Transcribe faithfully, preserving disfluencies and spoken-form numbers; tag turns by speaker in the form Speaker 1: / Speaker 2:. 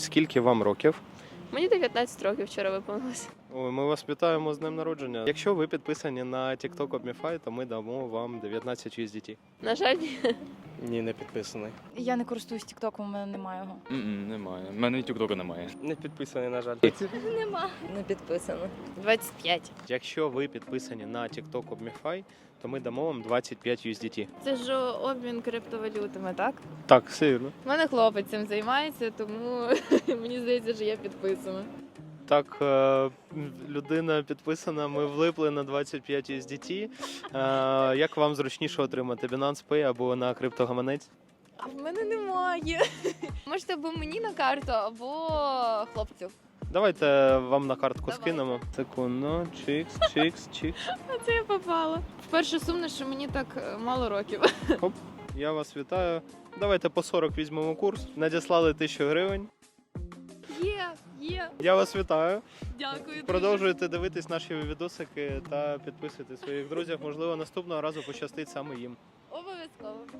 Speaker 1: Скільки вам років?
Speaker 2: Мені дев'ятнадцять років вчора виповнилось.
Speaker 1: Ой, ми вас вітаємо з днем народження. Якщо ви підписані на TikTok Omify, то ми дамо вам дев'ятнадцять ю ес ді ті.
Speaker 2: На жаль, ні.
Speaker 3: Ні, не підписаний.
Speaker 4: Я не користуюсь тіктоком, у мене немає його.
Speaker 5: М-м, немає. У мене і тіктока немає.
Speaker 3: Не підписаний, на жаль.
Speaker 4: Нема.
Speaker 6: Не підписано.
Speaker 2: двадцять п'ять.
Speaker 1: Якщо ви підписані на TikTok Omify, то ми дамо вам двадцять п'ять ю ес ді ті.
Speaker 7: Це ж обмін криптовалютами, так?
Speaker 1: Так, все вірно.
Speaker 7: У мене хлопець цим займається, тому мені здається, що я підписана.
Speaker 1: Так, е, людина підписана, ми влипли на двадцять п'ять ю ес ді ті. Е, Як вам зручніше отримати? Binance Pay або на криптогаманець?
Speaker 7: А в мене немає. Можете або мені на карту, або хлопцю.
Speaker 1: Давайте вам на картку
Speaker 7: Давайте.
Speaker 1: скинемо. Секунду, чикс, чикс, чикс.
Speaker 7: А це я попала. Вперше сумно, що мені так е, мало років.
Speaker 1: Я вас вітаю. Давайте по сорок візьмемо курс. Надіслали тисячу гривень.
Speaker 7: Є, є.
Speaker 1: Я вас вітаю.
Speaker 7: Дякую. дуже.
Speaker 1: Продовжуйте дивитись наші відосики та підписуйте своїх друзів. Можливо, наступного разу пощастить саме їм.
Speaker 7: Обов'язково.